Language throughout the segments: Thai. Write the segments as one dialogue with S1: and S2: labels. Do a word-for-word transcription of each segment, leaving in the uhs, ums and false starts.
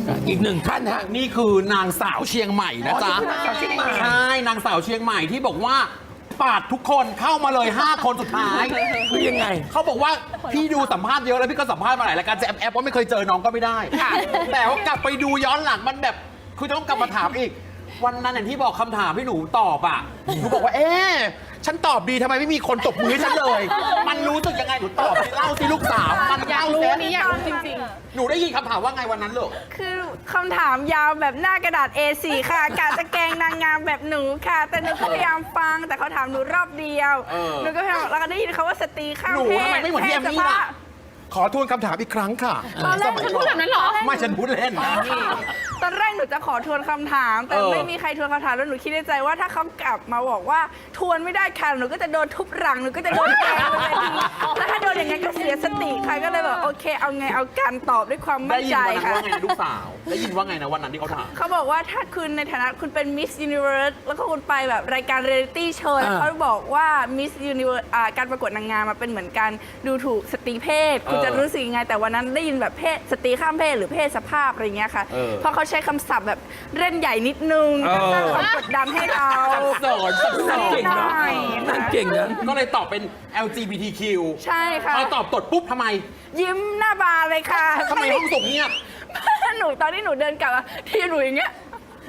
S1: อีกหนึ่งท่านฮะ
S2: นี่คือนางสาวเชียงใหม่นะจ๊ะ
S1: อ๋อนี่คือนางสาวเชียงใหม่
S2: ใช่นางสาวเชียงใหม่ที่บอกว่าปาดทุกคนเข้ามาเลย ห้า คนสุดท้าย
S1: คือยังไง
S2: เขาบอกว่าพี่ดูสัมภาษณ์เยอะแล้วพี่ก็สัมภาษณ์มาหลายรายการจะแอบแอบว่าไม่เคยเจอน้องก็ไม่ได้แต่ว่ากลับไปดูย้อนหลังมันแบบคือต้องกลับมาถามอีก วันนั้นอย่างที่บอกคำถามที่หนูตอบอ่ะหนูบอกว่าเอ๊ะฉันตอบดีทำไมไม่มีคนตบมือให้ฉันเลย มันรู้สึกยังไงหนูตอบสิเล่าสิลูกสาวมัน
S3: อยาก
S2: เล่า
S3: รู้
S2: สิ
S3: นี่อยากรู้จริง
S2: หนูได้ยินคำถามว่าไงวันนั้นลูก
S4: คือคำถามยาวแบบหน้ากระดาษ เอ โฟร์ ค่ะกะจะแกล้งนางงามแบบหนูค่ะ แต่หนูก็พยายามฟังแต่เขาถามหนูรอบเดียว
S2: เออ
S4: หนูก็พยายามแล้วก็ได้ยินเขาว่าสตรีข้าม
S2: หนู
S4: เพศ
S2: ทำไมไม่เหมือนพี่แอมมี่ล่ะ ขอทวนคำถามอีกครั้งค่ะ
S3: ๆตอนแรกฉันพูดแบบนั้นเหรอ
S2: ไม่ฉันพูดเล่นนะ
S4: ตอนแรกหนูจะขอทวนคำถาม แต่
S2: เออ
S4: ไม่มีใครทวนคำถามแล้วหนูคิดในใจว่าถ้าเขากลับมาบอกว่าทวนไม่ได้ค่ะหนูก็จะโดนทุบหลังหนูก็จะโดนแกล้งบนเวทีแล้วถ้าโดนอย่างงั้นก็เสียสติค่ะก็เลยแบบโอเค เอาไงเอาการตอบด้วยความมั่
S2: ได้
S4: น
S2: ยิน
S4: ใจ
S2: วันนั้น
S4: ค่ะ
S2: ว่าไงนะลูกสาว ได้ยินว่าไงนะวันนั้นที่เขาถาม
S4: เขาบอกว่าถ้าคุณในฐานะคุณเป็น Miss Universe แล้วก็คุณไปแบบรายการเรียลิตี้โชว์
S1: อ่า
S4: เขาบอกว่า Miss Universe อ่าการประกวดนางงามมาเป็นเหมือนการดูถูกสตรีเพศ คุณ
S2: เออ
S4: จะรู้สึกยังไง แต่วันนั้นได้ยินแบบเพศสตรีข้ามเพศหรือเพศสภาพอะไรเงี้ยค่ะ
S2: เออ
S4: เพราะเขาใช้คำศัพท์แบบเล่นใหญ่นิดนึง
S1: เออ
S4: สร้างความกดดันให้เรา
S2: สอนสักส
S1: นาง
S2: อน
S1: เก่งเนาะ
S4: ใช่
S1: นางเก่งนะ
S2: ก็เลยตอบเป็น แอล จี บี ที คิว
S4: ใช่ค่ะ
S2: พอตอบตดปุ๊บทำไม
S4: ยิ้มหน้าบานเลยค่ะ
S2: ทำไมห้องส่งเงียบ
S4: หนูตอนที่หนูเดินกลับอะที่หนูอย่างเงี้ย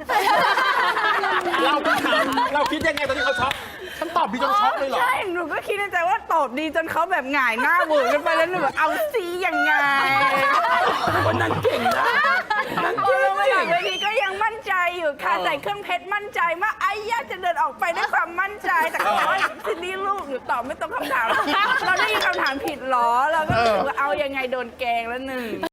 S2: เราคิดเราคิดยังไงตอนที่เขาช็อกฉันตอบดีจนช็อกเลยเหรอ
S4: ใช่ หนูก็คิดในใจว่าตอบดีจนเขาแบบหงายหน้าเวอร์กันไปแล้วหนูแบบเอาซียังไง
S1: วันนั้นเก่งนะนาง
S4: พอ
S1: เก่
S4: ลงมาหลั
S1: ง
S4: งเวทีก็ยังมั่นใจอยู่ค่ะ
S2: เออ
S4: ใส่เครื่องเพชรมั่นใจมากไอ้ย่าจะเดินออกไปด้วยความมั่นใจ แต่เขาบอกว่าซินดี้ลูกหนูตอบไม่ตรงคำถาม เราได้ยินคำถามผิดเหรอ เราก็รู้สึกว่าเอายังไงโดนแกล้งแล้วหนึ่ง